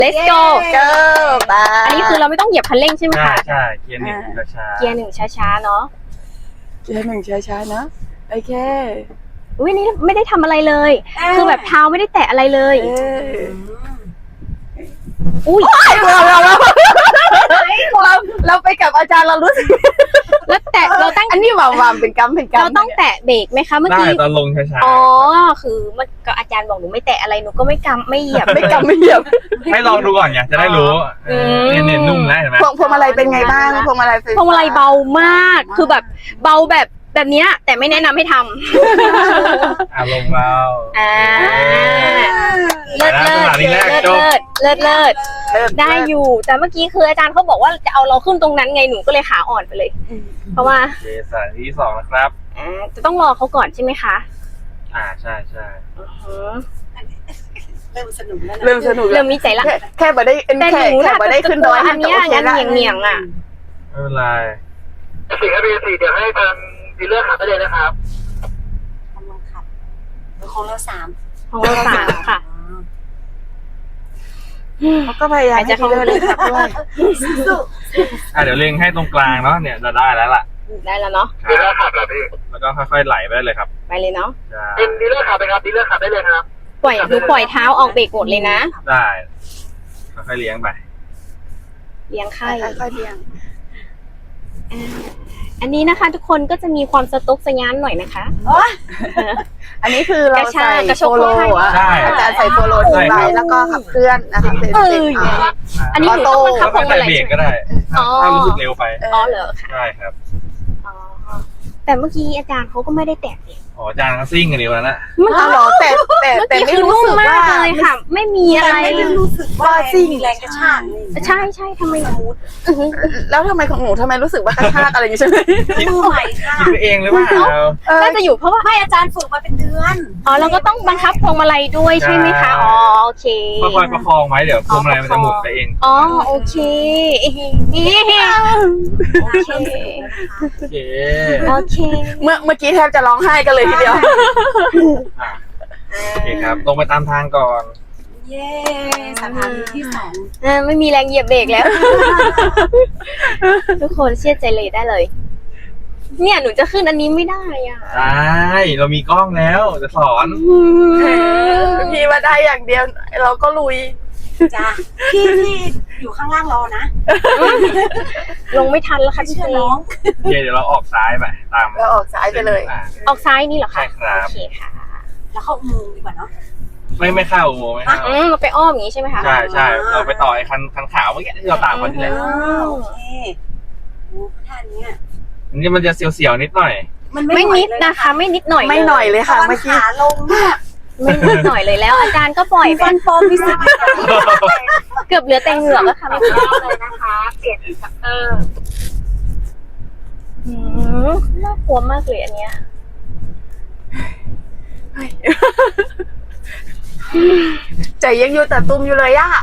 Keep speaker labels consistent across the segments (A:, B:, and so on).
A: let's go
B: ไป
A: อันนี้คือเราไม่ต้องเหยียบคันเร่งใช่ไหม
C: ใช่
A: คะ
C: ใช่เกียร์หนึ่งช้าๆ
A: เกียร์หนึ่งช้าๆเนาะ
B: เกียร์หนึ่งช้าๆนะโอเค
A: อุ้ยนี่ไม่ได้ทำอะไรเลย คือแบบเท้าไม่ได้แตะอะไรเลย อุ้ย
B: เราไปกับอาจารย์เรารู้สึก
A: แล้วแตะเราตั้ง
B: อันนี้วามเป็นกำเป็นกำ
A: เราต้องแตะเบรกไหมคะเมื่อ
C: ได้
A: กี้
C: ตอนลงช้า
A: อ๋อ คือมันก็อาจารย์บอกหนูไม่แตะอะไรหนูก็ไม่กำไม่เหยียบ
B: ไม่กำไม่เหยียบ
C: ๆให้ลองดูก่อนไงจะได้รู้
A: อืม
C: เนี่ยนุ่มนะเห็นไหม
B: พวงมาลัยเป็นไงบ้างพวงมาลัยไฟฟ้
A: พวงมาลัยเบามาก คือแบบเบาแบบเนี้ยแต่ไม่แนะนำให้ทำ
C: ลงเรา
A: เลิศเลิศเลิศได้อยู่ แต่เมื่อกี้คืออาจารย์เขาบอกว่าจะเอาเราขึ้นตรงนั้นไงหนูก็เลยขาอ่อนไปเลย เพราะว่า
C: โอเคสถานที่2นะครับ
A: จะต้องรอเขาก่อนใช่ไหมคะ
C: ใช่ใช่
A: อือหือ
B: เริ่มสนุก
A: เริ่มมีใจละ
B: แค่บ่ได้
A: แต่หนูน่ะ
B: บ่ได้ขึ้นดอย
A: อันเนี้ยงั้นเหนียงอ่ะ
C: ไม่เป็นไร
D: สี่ครับสี่เดี๋ยวให้ทางดีลเลอร์ขับไปเลยนะครับ
E: กำลังขับของเรา3
A: ของเรา3ค่ะ
B: เขาก็พยายามให้ดีเลยครับด้วย
C: เดี๋ยวเล็งให้ตรงกลางเนาะเนี่ยเราได้แล้วล่ะ
A: ได้แล้วเนาะ
D: ดีลเลอร์ขับแล้วพี่
C: แล้วก็ค่อยๆไหลไปได้เลยครับ
A: ไปเลยเนาะ
C: ใช่
D: เป็นดีลเลอร์ขับไปครับดีลเลอร์ขับได้เลยครับ
A: ปล่อยเท้าออกเบรกหมดเลยนะ
C: ได้ค่อยๆเลี้ยงไป
A: เลี้ยงไข่
B: ค่อยๆเลี้ยง
A: อันนี้นะคะ ทุกคนก็จะมีความสต๊อกสยานหน่อยนะคะ
B: อันนี้คือเราใส่
A: กระชาก
B: โฟโล
C: ใช่
B: อาจารย์ใส่โฟโลทิ้งไว้แล้วก็ขับเคลื่อนนะคะเป็น
A: อันนี้หนูต้องบังคับพวงมาลัย
C: เบรกก็ได้
A: อ๋อ
C: ถ้ารู้สึกเร็วไป
A: อ๋อเหรอคะ
C: ใช่ครับ
A: อ๋อแต่เมื่อกี้อาจารย์เขาก็ไม่ได้แตะเบรก
C: อาจารย์ก็ซิ่งกันดีวันนั้น
B: เอาเหรอแต่
A: เมื่อ
B: ไม่
A: กี้คือ
B: รู้
A: นุ่ม
B: สึก
A: มา
B: ว่าก
A: เลยค่ะ ไม่มีอะไร
E: รู้สึกว่าแรงกระชาก
A: ใช่ทำไม
B: แล้วทำไมของหนูทำไมรู้สึกว่ากระชากอะไรอย่างนี้ใช่ไหม
E: มือใหม่ค่ะ
C: คิดไปเองหรือเปล่า
A: น่าจะอยู่เพราะว่า
E: ให้อาจารย์ฝึกมาเป็นเดือน
A: อ๋อเราก็ต้องบังคับพวงมาลัยด้วยใช่ไหมคะ อ๋อโอเค
C: ค่อยๆประคองไว้เดี๋ยวพวงมาลัยมันจะหมุนไปเอง
A: อ๋อโอเคโอเค
C: โอเค
A: โอเค
B: เมื่อกี้แทบจะร้องไห้กันเลยทีเดียว
C: โอเคครับตรงไปตามทางก่อน
E: เย้สถานีที่2
A: ไม่มีแรงเหยียบเบรกแล้ว ทุกคนเชื่อใจเลยได้เลย เนี่ยหนูจะขึ้นอันนี้ไม่ได้อ่ะ
C: ได้เรามีกล้องแล้วจะสอน
B: พี่ว่าได้อย่างเดียวเราก็ลุย
E: จ้าพี่อยู่ข้างล่างรอนะ
A: ลงไม่ทันแล้วค่ะพี่
E: เชื่อ
A: เจ
E: น้อง
C: โอเคเดี๋ยวเราออกซ้ายไปตาม
B: เราออกซ้ายไปเลย
A: ออกซ้ายนี่เหรอคะ
C: ใช่ครับ
A: โอเคค่ะ
E: แล้วเข้าอุโมงค์ดีกว่าเนาะ
C: ไม่เข้าอุโมงค์ไม่เข้า
A: เราไปอ้อมอย่างนี้ใช่ไหมคะ
C: ใช่เราไปต่อไอ้คันขาวเมื่อกี้ที่เราตามกันที่แหละ
E: โอเคท่านี้
C: อันนี้มันจะเสียวๆนิดหน่อย
E: มัน
A: ไม่นิดนะคะ ไม่นิดหน่อย
B: ไม่หน่อยเลย
E: ต
B: ค่ะ
E: อน
B: เมื่อกี้
E: ขาลงเนี่ย
A: ไม่นิดหน่อยเลยแล้ว อาจารย์ก็ปล่อยไป
E: ฟันปลอมพิสิทธิ์
A: เกือบเหลือแต่เหงือกแล้วค่ะ
E: เลยนะคะเปลี่ยนอินสตรัคเตอร์
A: น่ากลัวมากเลยอันเนี้ย
B: ใจยังอยู่แต่ตุ้มอยู่เลยอะ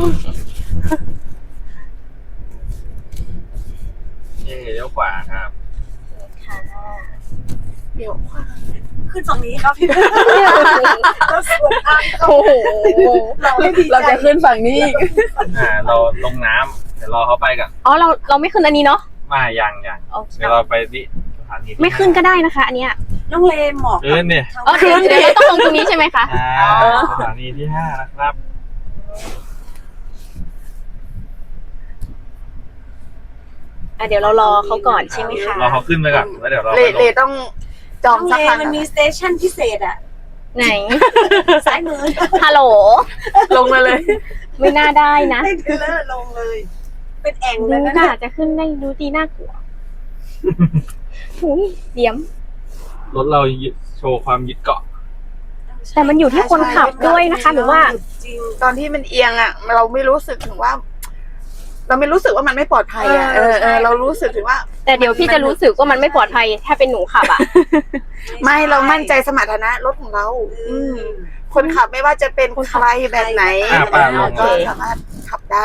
C: เลี้ยวขวาครับ
A: ค่ะ
B: เดี๋ยว
E: ขึ้นฝั่งนี้ครับพี่เราสวนทาง
A: โอ้โห
B: เราจะขึ้นฝั่งนี้
C: เราลงน้ำเดี๋ยวรอเขาไปกัน
A: อ๋อเราไม่ขึ้นอันนี้เนาะ
C: มายัง
A: โอเค
C: เดี๋ยวเราไปที่สถานีที่
A: ไม่ขึ้นก็ได้นะคะ อันเนี้ย
E: น้องเลมหมอก
C: ขึ้นเนี่ย
A: อ๋อเดี๋ยวเราต้องลงตรงนี้ใช่ไหมคะ
C: สถานีที่5นะครับ
A: เดี๋ยวเรารอเขาก่อนใช่ไหมคะ
C: รอเขาขึ้นไปก่อนแล้วเดี๋ยวเรา
B: เลต้องจอง
E: น้อง
B: สัก
E: เล
B: ครั้ง
E: มันมีสเตชันพิเศษอะ
A: ไหน
E: ซ้ายมือ
A: ฮัลโหล
B: ลงมาเลย
A: ไม่น่าได้นะ
E: ให้เดินลงเลย เป็นแอ่งเล
A: ดู
E: ยนะ
A: น่า
E: เนี่ย
A: จะขึ้นได้ดูดีน่ากลัวหุยเดี๋ยว
C: รถเราโชว์ความยึดเกาะ
A: แต่มันอยู่ที่คนขับด้วยนะคะหรือว่า
E: จริง
B: ตอนที่มันเอียงอะเราไม่รู้สึกถึงว่า เราไม่รู้สึกว่ามันไม่ปลอดภัยอะเรารู้สึกถึงว่า
A: แต่เดี๋ยวพี่จะรู้สึกว่ามันไม่ปลอดภัยถ้าเป็นหนูขับอ่ะ
B: ไม่เรามั่นใจสมรรถนะรถของเรา คนขับไม่ว่าจะเป็นใครแบบไหน
C: ป่าลง
B: ก็สามารถขับได้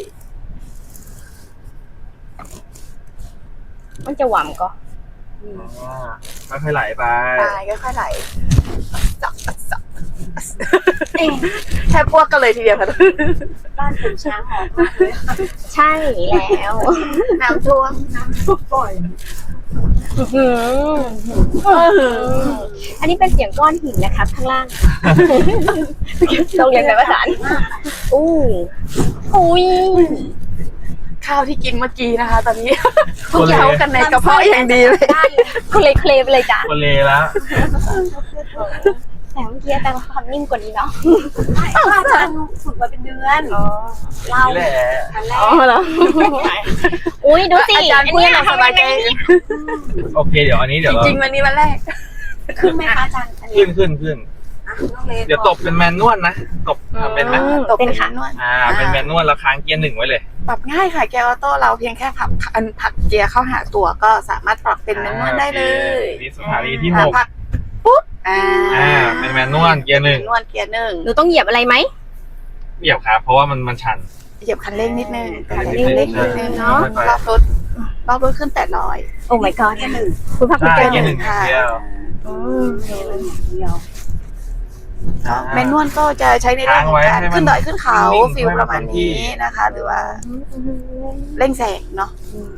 A: มันจะหวังก็
C: ไม่ค่อยไหลไป
B: ตายก็ค่อยไหลจับแทบพวกกันเลยทีเดียวค่ะ
E: บ้านผมช้างหอมมากเลย
A: ใช่แล้ว
B: น้ำท่วม
E: น้ำท่วมบ่อย
A: อื้อหืออันนี้เป็นเสียงก้อนหินนะครับข้างล่างต้องเรียนแบบภาษาอู้อุ้ย
B: ข้าวที่กินเมื่อกี้นะคะ ตอนนี้ทุกเข้ากันในกระเพาะอย่างดีเลย
A: คุณเลยเคลไปเลยจ้ะ
C: โคเลแล้ว
A: แต่เมื่อกี้อาจารย์ทำนิ่มกว่านี้เนาะ
E: ไม่อาจารย์ฝึกมาเป็นเดือนเรา
C: นี่แหละ
E: อันแร
A: อ๋อก เหรออุ้ยดูสิ
B: อาจารย์พูดให้เราสบายใจ
C: โอเคเดี๋ยวอันนี้เดี๋ยวเรา
B: จริงๆวันนี้วันแรก
E: ขึ้นไหมคะอาจารย์อันนี้
C: ขึ้น
E: อ่ะน้องเลน
C: เดี๋ยวตบเป็นแมนนวลนะตบเป็นไหม
B: ตบ
A: เป็นค่ะ
B: นวด
C: เป็นแมนนวลแล้วค้างเกียร์ 1ไว้เลย
B: ปรับง่ายค่ะแกออโต้เราเพียงแค่ผักเกียร์เข้าหาตัวก็สามารถปรับเป็นแมนนวลได้เลย
C: นี่สถานีที่
B: ผักปุ๊บ
C: เป็นแมนนวลเกียร์
B: นวดเกียร์หนึ่ง
A: หนูต้องเหยียบอะไรไหม
C: 1เหยียบครับเพราะว่ามันชัน
B: เหยียบคันเร่งนิดนึง
C: คัน
B: คัน
C: เร่
B: เร่
C: ง
B: ง
C: นิ
B: นิ
C: ด
B: ด
C: นึ
B: นึ
C: ง
B: งเนาะรอบรถขึ้น800
A: โอ้ my god
E: แค่หนึ่ง
A: คุณพักคุณ
C: ใช่
A: เจอ
C: เกียร์
A: ห
C: ห
A: นึ่
C: นึ่
A: ง
C: งอย่างเดียว
E: เดียว
B: แมนนวลก็จะใช้ในเรื่องของการ
C: ค้างไว้ให้มัน
B: ขึ้นดอยขึ้นเขา
C: นิ่งๆ
B: ฟิลประมาณนี้นะคะ หรือว่าเร่งแสงเนาะ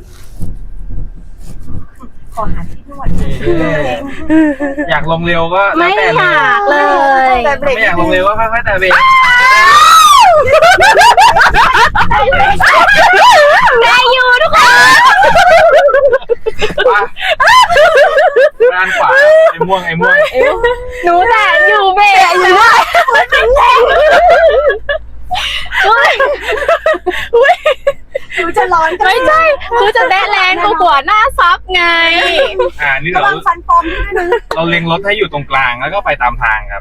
E: ขอหาที่นวด
C: อยากลงเร็วก็แล้ว
A: ไม่
C: แต่
A: อ
C: เลย
A: ยากเลย
B: แต่เบรก
C: ไม่อยากลงเร็วก็ค่อยๆแต่เบรก
A: ได้อยู่ทุกคน
C: ด้านขวาไอ้ม่วง
A: หนูแต่อยู่เบรกอยู่ด้วย
E: หนูจะร้อนกัน
A: ไม่ใช่คือจะแบะแลนด์กว่าหน้าซับไง
C: นี่
E: ระวังฟันปลอมนิดนึง
C: เราเล็งรถให้อยู่ตรงกลางแล้วก็ไปตามทางครับ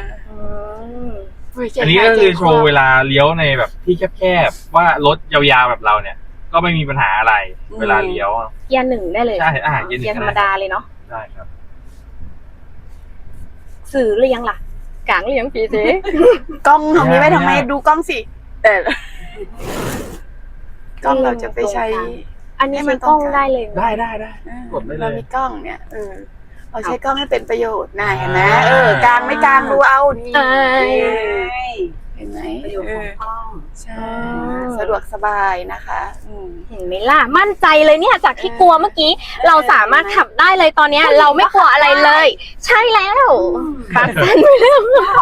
B: อั
C: อันนี้ก็คือโชว์เวลาเลี้ยวในแบบที่แคบๆว่ารถยาวๆแบบเราเนี่ย ก็ไม่มีปัญหาอะไรเวลาเลี้ยว
A: เกียร์หนึ่งได้เลย
C: ใช่เกียร์หนึ่ง
A: เกียร์ธรรมดาเลยเนาะ
C: ได้ครับ
A: สื่อหรือยังล่ะกลางหรือยังพี่เจ๊
B: กล้องทำนี้ไม่ทำไมดูกล้องสิแต่กล้องเราจะไปใช้
A: อันนี้มันกล้องได้เลย
C: ได้กดได้เล
B: เรา
C: ย
B: มีกล้องเนี่ยเราใช้กล้องให้เป็นประโยชน์นะเห็นไหมกลางไม่กลางดูเอานี่ เห็นไหม
E: ประโยชน์ของกล้อง
B: ใช่สะดวกสบายนะคะ
A: เห็นไหมล่ะมั่นใจเลยเนี่ยจากที่กลัวเมื่อกี้ เราสามารถขับได้เลยตอนเนี้ยเราไม่กลัวอะไรเลย ใช่แล้วขาสั่นไปแล้ว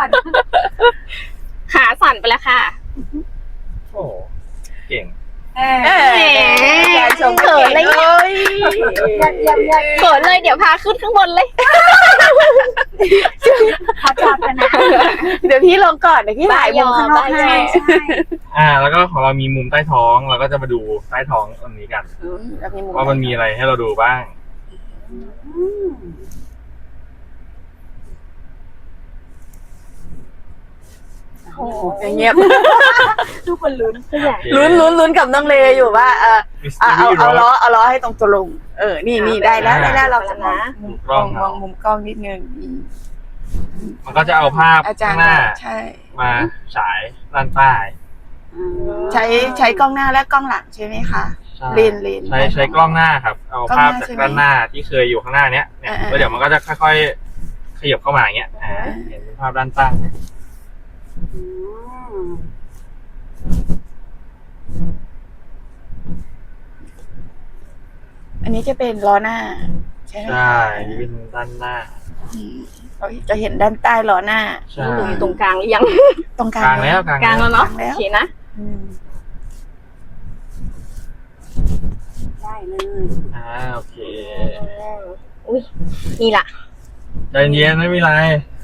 A: ขาสั่นไปแล้วค่ะ
C: โอ้เก่ง
B: การชม
A: เขินเลย
B: เอ้ย
A: เขินเลยเดี๋ยวพาขึ้นข้างบนเลย
E: พระเจ้าพนะ
B: เดี๋ยวพี่ลงก่อนเดี๋ยวพี่ถ่ายมุมข้างนอกให้
C: แล้วก็ของเรามีมุมใต้ท้องเราก็จะมาดูใต้ท้องตรงนี้กันว่ามันมีอะไรให้เราดูบ้าง
B: โอ้เงียบ
E: ทุกคนลุ้น
B: ลุ้นกับน้องเลอยู่ว่าเอาล้อให้ตรงตัวลงนี่ได้แล้วเราจะมองมุมกล้องนิดนึง
C: มันก็จะเอาภาพ
B: อาจาร
C: ข้าง
B: ย์
C: หน้า
B: ใช่
C: มาฉายด้านใต้
B: ใช้กล้องหน้าและกล้องหลังใช่ไหมคะเลน
C: ใช้กล้องหน้าครับเอาภาพจากด้านหน้าที่เคยอยู่ข้างหน้าเนี้ยแล้วเดี๋ยวมันก็จะค่อยๆขยับเข้ามาอย่างเงี้ยเห็นภาพด้านใต้
B: อันนี้จะเป็นล้อหน้าใช่ไหม
C: ใช่นี่เป็นด้านหน้า
B: เราจะเห็นด้านใต้ล้อหน้า
C: ใช่
A: อยู่ตรงกลางหรือยัง
B: ตรงกลาก
C: ลาง งแล้ว
A: กลางแล้วเนาะโอเคนะ
E: ได้เลย
C: โอเค
A: อุ้ยนี่ล่ะ
C: ใจเย็นไม่มีไร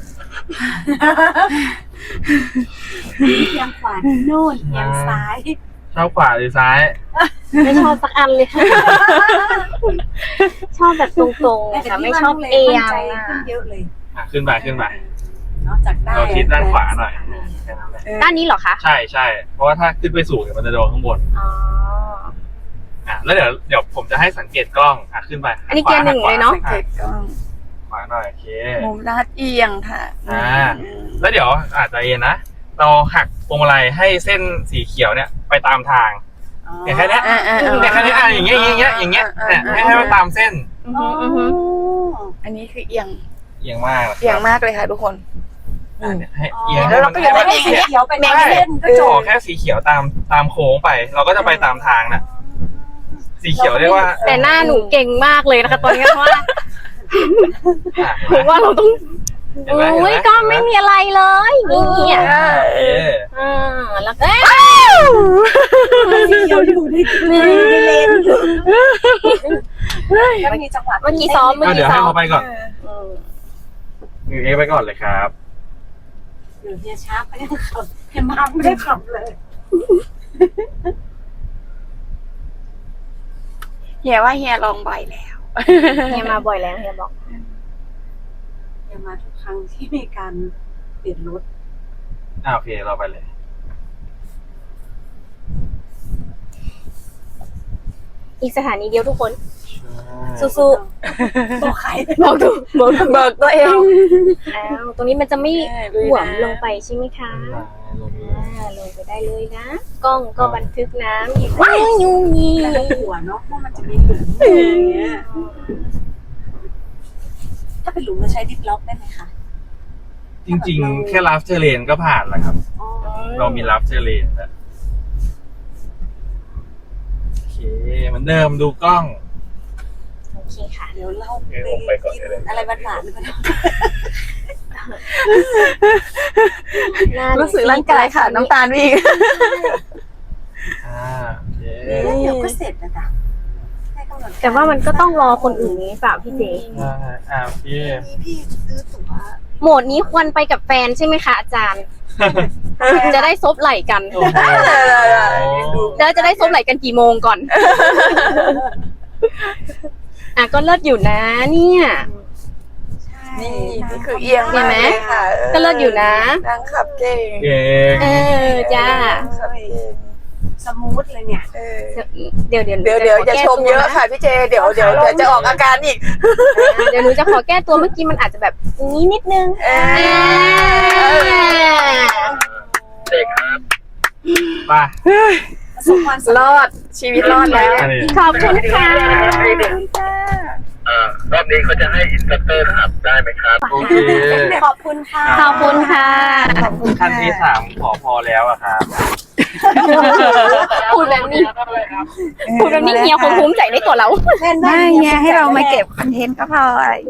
E: เอียงขวาโน่นเอียงซ้าย
C: ชอบขวาหรือซ้าย
A: ไม่ชอบสักอันเลยค่ะ ชอบแบบตรงๆค่ะไม่ชอบเอียง
E: ขึ้นเยอะเลย
C: ขึ้นไป
E: นอกจากได้
C: เราชิดด้านขวาหน่อยแค่นั้นแหละ
A: ด้านนี้เหรอคะ
C: ใช่เพราะว่าถ้าขึ้นไปสูงเนี่ยมันจะโดนข้างบน
A: อ๋อ
C: แล้วเดี๋ยวผมจะให้สังเกตกล้องขึ้นไป
A: อันนี้เกียร์หนึ่งเลยเนาะ
B: สังเกตกล้อง
C: ขวาหน่อยโอเค
B: มุมลาดเอียงค่ะ
C: แล้วเดี๋ยวอาจจะเย็นนะเราหักพวงมาลัยให้เส้นสีเขียวเนี่ยไปตามทางอย่างแค่นี้อย่างแค่นี้อย่างเงี้ยให้มันตามเส้น
B: อันนี้คือเอียง
C: เอียงมาก
B: เอียงมากเลยค่ะทุกคน
C: เนี่ยให้เอียง
B: แล้วเราก็ยัง
E: ไม่
B: ไม่
E: ได้
B: ได้
E: สีเขียวไปแม่เล่นก็จ
C: ขอบ แค่สีเขียวตามโค้งไป เราก็จะไปตามทางน่ะ สีเขียวเรียกว่า
A: แต่หน้าหนูเก่งมากเลยนะคะตอนนี้เพราะว่า
C: อ่ะ
A: ผมว่าเราต้อง
C: เห็นไหม
A: โอ้ยก็ไม่มีอะไรเลยนี่อ่ะ
C: เอ๊ะ
A: แล้วก็
E: สีเขียวอยู่ในเลนแล้วมีจังหวะ
A: เมื่อกี้ซ้อม
C: ก็เดี๋ยวให้เขาไปก่อนเอไปก่อนเลยครับ
E: หรือเฮียช้าก็ยังขับเฮียมาไม่ได้ขับเลย
B: เฮียว่าเฮียลองบ่อยแล้ว
A: เฮียมาบ่อยแล้วเฮียบอก
E: เฮียมาทุกครั้งที่มีการเปลี่ยนรถ
C: โอเคเราไปเลย
A: อีกสถานีเดียวทุกคน
C: สู้
A: สู้
E: ตัวใคร
A: ๆบอกถูกบอกถูก
B: เบิกตัวเอง
A: อ้าวตรงนี้มันจะไม่
B: ลุยนะ
A: หวมลงไปใช่ไหมคะลงไปได้เลยนะ กล้องก็บันทึกน้ำอีกยุ่งยี
E: แล้วก็หัวเนาะว่ามันจะมีหลุมอย่างเงี้ยถ้าเป็นหลุมเราใช้ดิฟล็อกได้ไหมคะ
C: จริงๆ แค่ลาฟเทเลนก็ผ่านแล้วครับ
E: อ๋อ
C: เรามีลาฟเทเลนแล้วโอเคเหมือนเดิมดูกล้อง
A: โอเคค่ะ
E: เดี๋ยวเรา
C: ไปก่อน
E: กิน
C: เลย
E: อะไรหวานๆก็ได้
B: รู้สึกร่างกายค่ะ น้ำตาลวิ่ง
C: โอเค
E: เดี๋ยวก็เสร็จนะจ๊ะให้กำหนด
A: แต่ว่ามันก็ต้องรอคนอื่นนี้เปล่าพี่เจ
C: โอเค
E: พี่ซื้อตั๋ว
A: โหมดนี้ควรไปกับแฟนใช่ไหมคะอาจารย์ จะได้ซบไหล่กัน
C: โอ้โห
A: แล้วจะได้ซบไหล่กันกี่โมงก่อน ก็เลิศอยู่นะเนี่ย
B: นี่นี่คือเอียง
A: เห็นไหม
B: ากลยค่ะ
A: ก็เลิศอยู่นะ
B: นางขับเก่ง
C: เก่ง
A: จ้า
B: ขับเก่ง
E: สมูทเลยเนี่ย
A: เดี๋ยว
B: เดี๋ยวจะชมเยอะค่ะพี่เจ เดี๋ยวจะออกอาการอีก
A: เดี๋ยวหนูจะขอแก้ตัวเมื่อกี้มันอาจจะแบบนี้นิดนึง
D: เด็กครับ
C: ไป
E: ประสบความสำ
B: ร
E: เร็จ
B: อดชีวิตรอดแล้ว
C: อันนี้
A: ขอบคุณค่ะ
D: รอบนี้เขาจะให้อินสตรัคเตอร์ขับได้ไหมครับ
C: โอเค
E: ขอบคุณค่ะ
A: ขอบคุณค่ะ
C: ขั้นที่3ขอพอแล้วอะครับ
A: พูดแบบนี้เฮียคงภูมิใจในตัวเรา
E: เล่นได้
B: ไม่ไงให้เรามาเก็บคอนเทนต์ก็พอ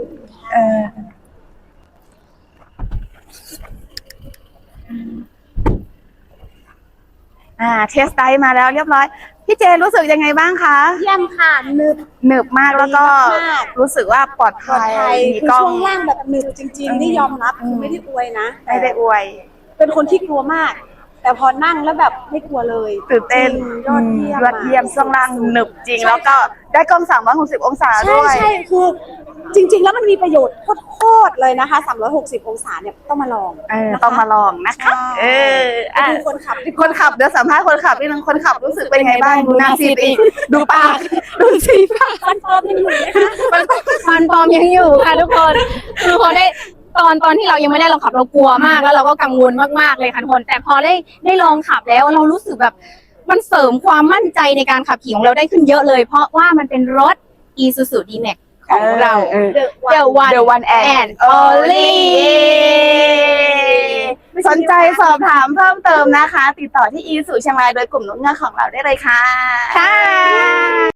B: เทสไดมาแล้วเรียบร้อย พี่เจรู้สึกยังไงบ้างคะ
E: เยี่ยมค่ะหนึบ
B: หนึบมากแล้วก็รู้สึกว่าปลอด
E: ปลอ
B: ภั
E: ด
B: ย
E: ภัย
B: มี
E: คือก
B: ล้อง
E: ช่วงล่างแบบหนึบจริงๆนี่ยอมรับคือไม่ได้อวยนะ
B: ไม่ได้อวย
E: เป็นคนที่กลัวมาก แต่พอนั่งแล้วแบบไม่กลัวเลย
B: ตื่นเต้น
E: จริงยอดเยี่ยม
B: ช่วงล่างหนึบจริง แล้วก็ได้กล้อง360 องศา
E: ใช่
B: ด้วย
E: ใช่คือจริง ๆ แล้วมันมีประโยชน์โคตรๆเลยนะคะ360 องศาเนี่ยต้องมาลอง
B: ต้องมาลองนะคะ
E: ไปดูคนขับดีก
B: ค
E: ว่าน
B: ขับเดี๋ยวสัมภาษณ์คนขับนิดนึงคนขับรู้สึกเป็นไงบ้างดูหน้าซีดอีกดูปากดูซีดปาก
E: ฟันปลอมยังอยู่ไหมคะ
A: มันปลอมยังอยู่ค่ะทุกคน คือพอได้ตอนที่เรายังไม่ได้ลองขับเรากลัวมากแล้วเราก็กังวลมากๆเลยค่ะทุกคน แต่พอได้ลองขับแล้วเรารู้สึกแบบมันเสริมความมั่นใจในการขับขี่ของเราได้ขึ้นเยอะเลย เพราะว่ามันเป็นรถ Isuzu D-Max ของเรา The One and Only
B: สนใจสอบถามเพิ่มเติมนะคะ ติดต่อที่อีสุเชียงรายโดยกลุ่มนุ่งเงือกของเราได้เลยค่ะ
A: ค่ะ